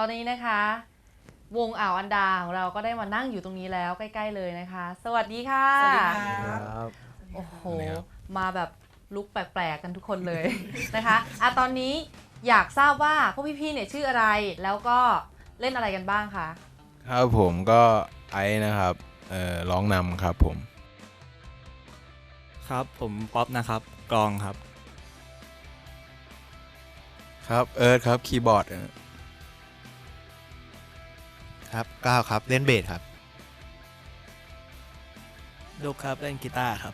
อนนี้นะคะ วงอ่าวอันดาของเราก็ได้มานั่งอยู่ตรงนี้แล้วใกล้ๆเลยนะคะ สวัสดีค่ะสวัสดีครับโอ้โหมาแบบลุกแปลกๆกันทุกคนเลย นะคะตอนนี้อยากทราบว่าพวกพี่ๆเนี่ยชื่ออะไรแล้วก็เล่นอะไรกันบ้างคะครับผมก็ไอซ์นะครับร้องนำครับผมครับผมป๊อปนะครับกลองครับครับเอิร์ธครับคีย์บอร์ดครับก้าวครับเล่นเบสครับดุกครับเล่นกีตาร์ครับ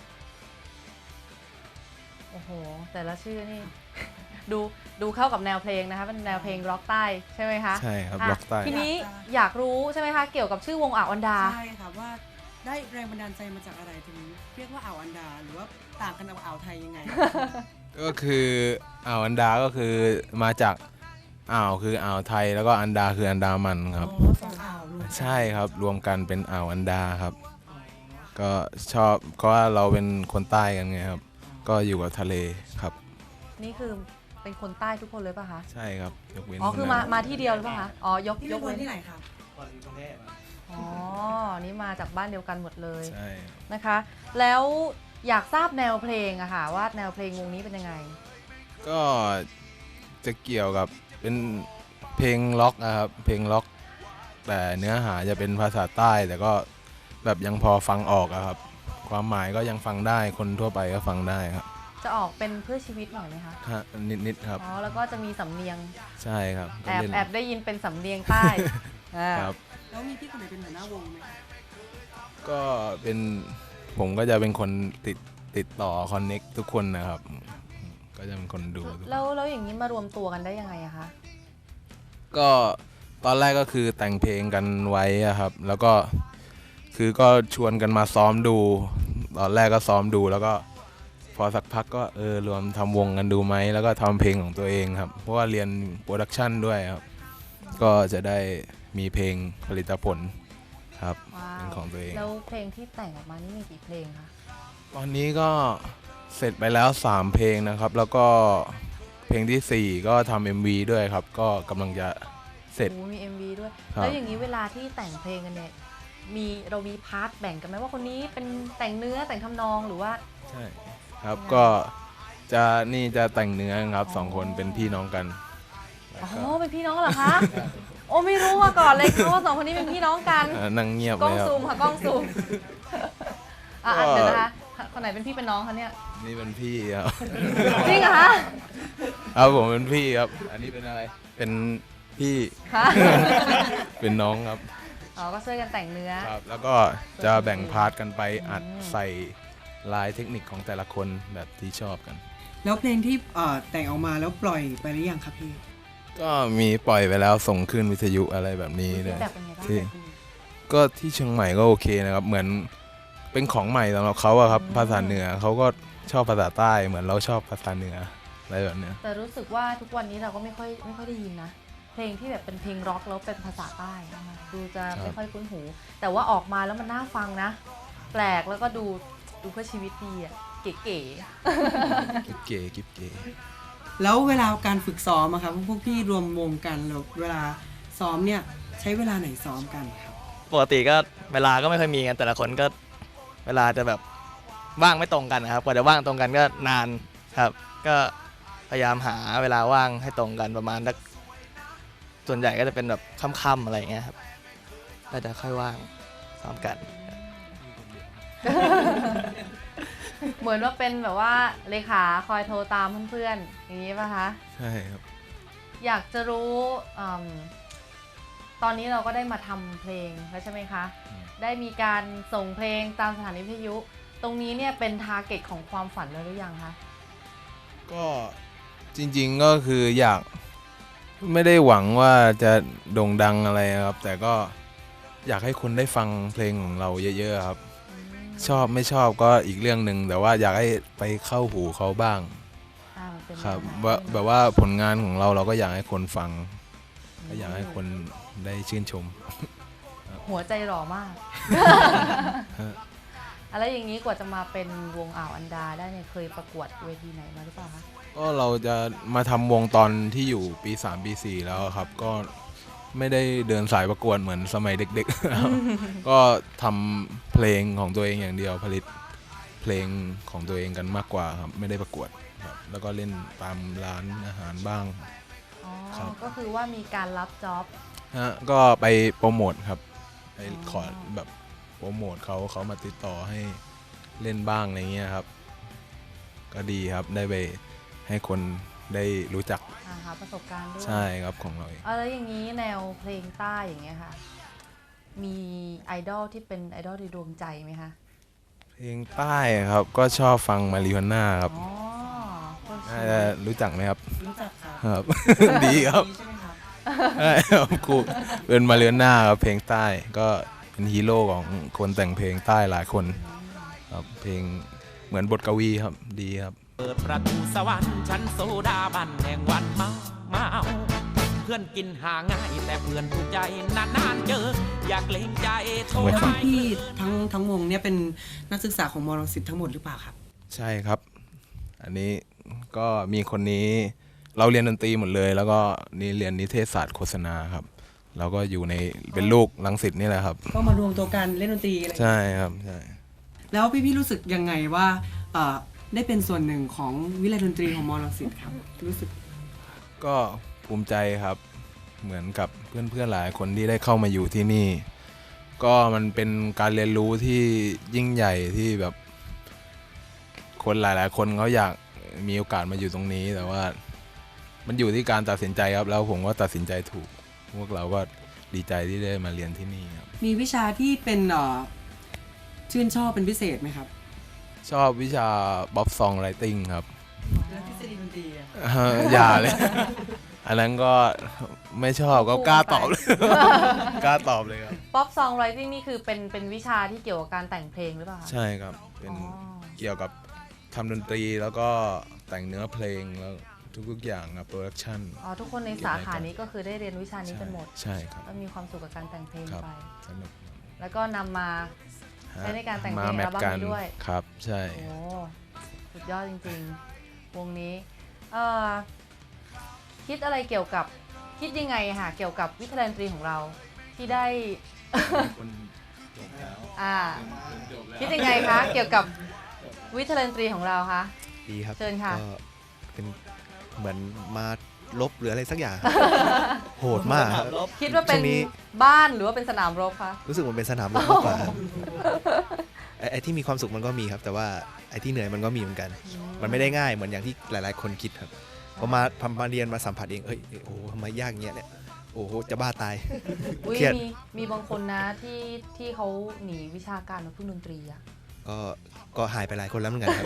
โอ้โหแต่ละชื่อนี่ ดูเข้ากับแนวเพลงนะคะเป็นแนวเพลงร็อกใต้ใช่ไหมคะใช่ครับอ่ะล็อกใต้ทีนี้อยากรู้ใช่ไหมคะเกี่ยวกับชื่อวงอ่าวอันดาใช่ค่ะว่าได้แรงบันดาลใจมาจากอะไรถึงเรียกว่าอ่าวอันดาหรือว่าต่างกันกับอ่าวไทยยังไงก็คืออ่าวอันดาก็คือมาจากอ่าวคืออ่าวไทยแล้วก็อันดาคืออันดามันครับอ๋อสองอ่าวรวมกันใช่ครับรวมกันเป็นอ่าวอันดาครับ ก็ชอบเพราะว่าเราเป็นคนใต้กันไงครับ ก็อยู่กับทะเลครับนี่คือเป็นคนใต้ทุกคนเลยป่ะคะใช่ครับยกเว้นอ๋อคือคนนั้นมาที่เดียวหรือเปล่าคะอ๋อยกพี่ยเป็นกคนเว้นที่ไหนครับอ๋อนี่มาจากบ้านเดียวกันหมดเลยใช่นะคะ แล้วอยากทราบแนวเพลงอะค่ะว่าแนวเพลงวงนี้เป็นยังไงก็จะเกี่ยวกับเป็นเพลงล็อกนะครับเพลงล็อก แต่เนื้อหาจะเป็นภาษาใต้ แต่ก็แบบยังพอฟังออกอะครับ ความหมายก็ยังฟังได้คนทั่วไปก็ฟังได้ครับจะออกเป็นเพื่อชีวิตหน่อยไหมคะฮะนิดๆครับอ๋อแล้วก็จะมีสำเนียงใช่ครับก็แอบเล่นแอบได้ยินเป็นสำเนียงใต้ อ่าครับแล้วมีพี่คนไหนเป็นหัวหน้าวงไหมคะก็เป็นผมก็จะเป็นคนติดต่อคอนเน็กทุกคนนะครับ ก็จะเป็นคนดูทุกคนแล้วอย่างนี้มารวมตัวกันได้ยังไงอะคะก็ตอนแรกก็คือแต่งเพลงกันไว้อะครับ แล้วก็คือก็ชวนกันมาซ้อมดู ตอนแรกก็ซ้อมดูแล้วก็พอสักพักก็รวมทำวงกันดูไหมแล้วก็ทำเพลงของตัวเองครับ เพราะว่าเรียนโปรดักชันด้วยครับ ก็จะได้มีเพลงผลิตผลครับว้าเป็นวของตัวเองแล้วเพลงที่แต่งออกมานี่มีกี่เพลงคะตอนนี้ก็เสร็จไปแล้ว 3 เพลงนะครับ แล้วก็เพลงทีสี่ 4 ก็ทำ MV ด้วยครับ ก็กำลังจะเสร็จโอ้มี MV ด้วยครับแล้วอย่างนี้เวลาที่แต่งเพลงกันเนี่ยเรามีพาร์ทแบ่งกันไหมว่าคนนี้เป็นแต่งเนื้อแต่งทำนองหรือว่าใช่ครับก็จะแต่งเนื้อครับสองคนเป็นพี่น้องกันแล้วอ๋อก็เป็นพี่น้องเหรอคะ โอ้ไม่รู้มาก่อนเลยค่ะว่าสองคนนี้เป็นพี่น้องกันนั่งเงียบกล้เลองยครับซูมค่ะกล้องซูมอ่ะก็เดี๋ยวนะคะคนไหนเป็นพี่เป็นน้องคะเนี่ยนี่เป็นพี่ครับจริงเหรอคะครับผมเป็นพี่ครับ อันนี้เป็นอะไรเป็นพี่คะเป็นน้องครับอ๋อก็ช่วยกันแต่งเนื้อครับ แล้วก็จะแบ่งพาร์ทกันไปอัดใส่ลายเทคนิคของแต่ละคนแบบที่ชอบกันแล้วเพลงที่แต่งออกมาแล้วปล่อยไปหรือยังครับพี่ก็มีปล่อยไปแล้วส่งขึ้นวิทยุอะไรแบบนี้เลยแบบเป็นไงบ้างที่คะพี่ก็ที่เชียงใหม่ก็โอเคนะครับ เหมือนเป็นของใหม่สำหรับเขาอะครับ ภาษาเหนือเขาก็ชอบภาษาใต้เหมือนเราชอบภาษาเหนืออะไรแบบเนี้ยแต่รู้สึกว่าทุกวันนี้เราก็ไม่ค่อยได้ยินนะ เพลงที่แบบเป็นเพลงร็อกแล้วเป็นภาษาใต้นะคะดูจะไม่ค่อยคุ้นหู แต่ว่าออกมาแล้วมันน่าฟังนะ แปลกแล้วก็ดูเพื่อชีวิตดีอ่ะเก๋กิ๊บเก๋กิ๊บเก๋แล้วเวลาการฝึกซ้อมอะครับพวกพี่รวมวงกันแล้วเวลาซ้อมเนี่ยใช้เวลาไหนซ้อมกันครับปกติก็เวลาก็ไม่ค่อยมีกันแต่ละคนก็เวลาจะแบบว่างไม่ตรงกันนะครับกว่าจะว่างตรงกันก็นานครับ ก็พยายามหาเวลาว่างให้ตรงกันประมาณสักส่วนใหญ่ก็จะเป็นแบบค่ำๆอะไรอย่างเงี้ยครับก็จะค่อยว่างซ้อมกันๆ เหมือนว่าเป็นแบบว่าเลขาคอยโทรตามเพื่อนๆอย่างนี้ป่ะคะใช่ครับอยากจะรู้ตอนนี้เราก็ได้มาทำเพลงแล้วใช่ไหมคะ ได้มีการส่งเพลงตามสถานีวิทยุ ตรงนี้เนี่ยเป็นทาร์เก็ตของความฝันแล้วหรือยังคะก็จริงๆก็คืออยากไม่ได้หวังว่าจะโด่งดังอะไรครับ แต่ก็อยากให้คนได้ฟังเพลงของเราเยอะๆครับ ชอบไม่ชอบก็อีกเรื่องหนึ่งแต่ว่าอยากให้ไปเข้าหูเขาบ้างมันเป็นครับแนวไหนว่าแบบว่าผลงานของเราก็อยากให้คนฟังก็อยากให้คนได้ชื่นชมหัวใจหล่อมาก อะไรอย่างนี้กว่าจะมาเป็นวงอ่าวอันดาได้เนี่ยเคยประกวดเวทีไหนมาหรือเปล่าคะก็เราจะมาทำวงตอนที่อยู่ปี 3 ปี 4 แล้วครับ ก็ไม่ได้เดินสายประกวดเหมือนสมัยเด็กๆครับ ก็ทำเพลงของตัวเองอย่างเดียวผลิตเพลงของตัวเองกันมากกว่าครับไม่ได้ประกวดครับแล้วก็เล่นตามร้านอาหารบ้างอ๋อครับก็คือว่ามีการรับจ็อบฮะก็ไปโปรโมทครับไปขอแบบโปรโมทเขามาติดต่อให้เล่นบ้างอะไรเงี้ยครับ ก็ดีครับได้ไปให้คนได้รู้จักหาประสบการณ์ด้วยใช่ครับของเราเองแล้วอย่างนี้แนวเพลงใต้อย่างเงี้ยค่ะ มีไอดอลที่เป็นไอดอลในดวงใจไหมคะเพลงใต้ครับก็ชอบฟังมาริโฮน่าครับอ๋อต้นน่าชีจะรู้จักไหมครับรู้จักครับครับ ดีครับใช่ไหมครับใช่ครับครูเป็นมาริโฮน่าครับเพลงใต้ก็เป็นฮีโร่ของคนแต่งเพลงใต้หลายคนครับเพลงเหมือนบทกวีครับดีครับเปิดประตูสวรรค์ชั้นโซดาบันแห่งวันเมาเพื่อนกินหาง่ายแต่เพื่อนถูกใจนานๆเจอ อยากเล่งใจโทรไม่แล้วครับพี่ทั้งวงเนี่ยเป็นนักศึกษาของมรังสิตทั้งหมดหรือเปล่าครับใช่ครับ อันนี้ก็มีคนนี้เราเรียนดนตรีหมดเลย แล้วก็นี่เรียนนิเทศศาสตร์โฆษณาครับเราก็อยู่ในเป็นลูกรังสิตนี่แหละครับก็มารวมตัวกันเล่นดนตรีอะไรใช่ครับใช่แล้วพี่รู้สึกยังไงว่าได้เป็นส่วนหนึ่งของวิทยาลัยดนตรีของมรังสิตครับรู้สึกก็ภูมิใจครับเหมือนกับเพื่อนๆหลายคนที่ได้เข้ามาอยู่ที่นี่ ก็มันเป็นการเรียนรู้ที่ยิ่งใหญ่ที่แบบ คนหลายๆคนเขาอยากมีโอกาสมาอยู่ตรงนี้ แต่ว่ามันอยู่ที่การตัดสินใจครับแล้วผมก็ตัดสินใจถูก พวกเราก็ดีใจที่ได้มาเรียนที่นี่ครับมีวิชาที่เป็นชื่นชอบเป็นพิเศษไหมครับชอบวิชาบ๊อบซองไรติงครับแล้วทฤษฎีดนตรีอะอย่าเลย อันนั้นก็ไม่ชอบก็กล้าตอบเลย กล้าตอบเลยครับป๊อปซองไรติ้งนี่คือเป็นวิชาที่เกี่ยวกับการแต่งเพลงหรือเปล่าคะใช่ครับเป็นอ๋อเกี่ยวกับทำดนตรีแล้วก็แต่งเนื้อเพลงแล้วทุกๆอย่างครับโปรดักชันอ๋อทุกคนในสาขานี้ก็คือได้เรียนวิชานี้กันหมดใช่ครับก็มีความสุขกับการแต่งเพลงครับไปสนุกแล้วก็นำมา ใช้ในการแต่งเพลงมาแมทอัลบั้มกันนี้ด้วยครับใช่โอ้สุดยอดจริงๆ วงนี้คิดอะไรเกี่ยวกับคิดยังไงค่ะเกี่ยวกับวิทยาลัยดนตรีของเราที่ได้ คิดยังไงคะเกี่ยวกับวิทยาลัยดนตรีของเราคะดีครับเชิญค่ะก็เป็นเหมือนมาลบหรืออะไรสักอย่าง โหดมากครับคิดว่าเป็นช่วงนี้บ้านหรือว่าเป็นสนามรบคะรู้สึกมันเป็นสนามรบมากกว่าครับไอ้ที่มีความสุขมันก็มีครับ แต่ว่าไอ้ที่เหนื่อยมันก็มีเหมือนกัน มันไม่ได้ง่ายเหมือนอย่างที่หลาย ๆ คนคิดครับพอมาเรียนมาสัมผัสเองเอ้ยโอ้โหทำไมยากเงี้ยเนี่ยโอ้โหจะบ้าตายอุ้ยเครียดมีบางคนนะที่เขาหนีวิชาการมาพึ่งดนตรีอะก็หายไปหลายคนแล้วเหมือนกันครับ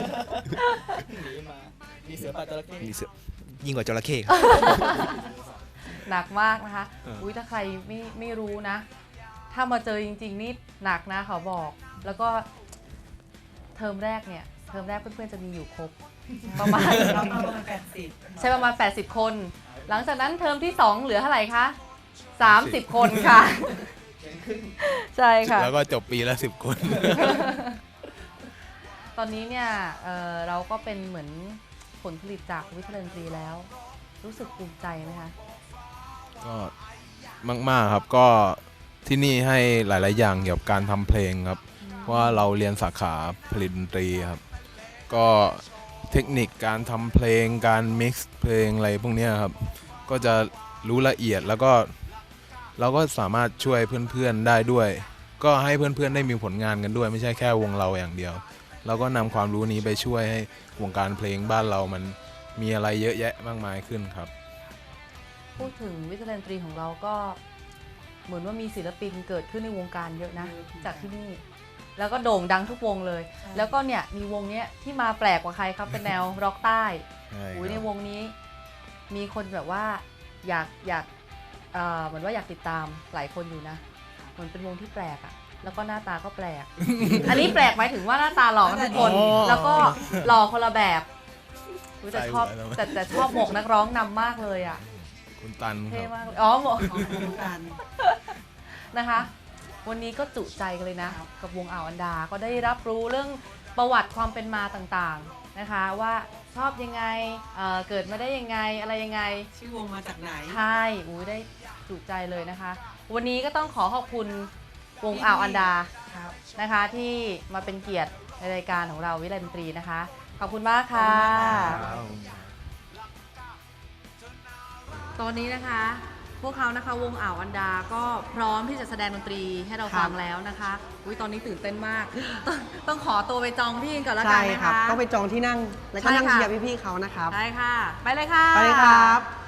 มีเสือป่าจระเข้มีเสือยิ่งกว่าจระเข้ครับหนักมากนะคะ อุ้ยถ้าใครไม่รู้นะ ถ้ามาเจอจริง ๆ นี่หนักนะเขาบอก แล้วก็เทอมแรกเพื่อนๆจะมีอยู่ครบ ประมาณ ใช่ประมาณ 80 คน หลังจากนั้นเทอมที่ 2 เหลือเท่าไหร่คะ 30 คนค่ะ ใช่ค่ะแล้วก็จบปีละ10 คนตอนนี้เนี่ยเราก็เป็นเหมือนผลผลิตจากวิทยาลัยดนตรีแล้ว รู้สึกภูมิใจไหมคะก็มากๆครับก็ที่นี่ให้หลายๆอย่างเกี่ยวกับการทำเพลงครับเพราะว่าเราเรียนสาขาผลิตดนตรีครับก็เทคนิคการทำเพลงการมิกซ์เพลงอะไรพวกเนี้ยครับก็จะรู้ละเอียดแล้วก็เราก็สามารถช่วยเพื่อนๆได้ด้วย ก็ให้เพื่อนๆได้มีผลงานกันด้วยไม่ใช่แค่วงเราอย่างเดียวเราก็นำความรู้นี้ไปช่วยให้วงการเพลงบ้านเรามันมีอะไรเยอะแยะมากมายขึ้นครับพูดถึงวิทยาลัยดนตรีของเราก็เหมือนว่ามีศิลปินเกิดขึ้นในวงการเยอะนะ จากที่นี่ แล้วก็โด่งดังทุกวงเลย แล้วก็เนี่ยมีวงเนี้ยที่มาแปลกกว่าใครครับ เป็นแนวร็อกใต้ใช่อุ้ยคในรับวงนี้มีคนแบบว่าอยากเหมือนว่าอยากติดตามหลายคนอยู่นะเหมือนเป็นวงที่แปลกอะแล้วก็หน้าตาก็แปลก อันนี้แปลกหมายถึงว่าหน้าตาหล่อกันทุกคน แล้วก็หล่อคนละแบบอุ๊ยแต่ชอบแต่ชอบหมวกนักร้องนำมากเลยอะคุณตันคเท่รับมากเลยอ๋อหมวกของการนะคะ วันนี้ก็จุใจกันเลยนะ กับวงอ่าวอันดา ก็ได้รับรู้เรื่องประวัติความเป็นมาต่างๆนะคะ ว่าชอบยังไงเกิดมาได้ยังไงอะไรยังไงชื่อวงมาจากไหนใช่ได้จุใจเลยนะคะ วันนี้ก็ต้องขอขอบคุณวงอ่าวอันดานะคะ ที่มาเป็นเกียรติในรายการของเราวิไลดนตรีนะคะ ขอบคุณมากค่ะ ตอนนี้นะคะ พวกเขานะคะวงอ่าวอันดาก็พร้อมที่จะแสดงดนตรีให้เราฟังแล้วนะคะอุ๊ยตอนนี้ตื่นเต้นมาก ต้องขอตัวไปจองที่ก่อนแล้วกันใช่นะครัคะต้องไปจองที่นั่ง แล้วก็นั่งใช่ค่ะเชียร์พี่ๆเขานะครับได้ค่ะ ไปเลยค่ะไปเลยครับ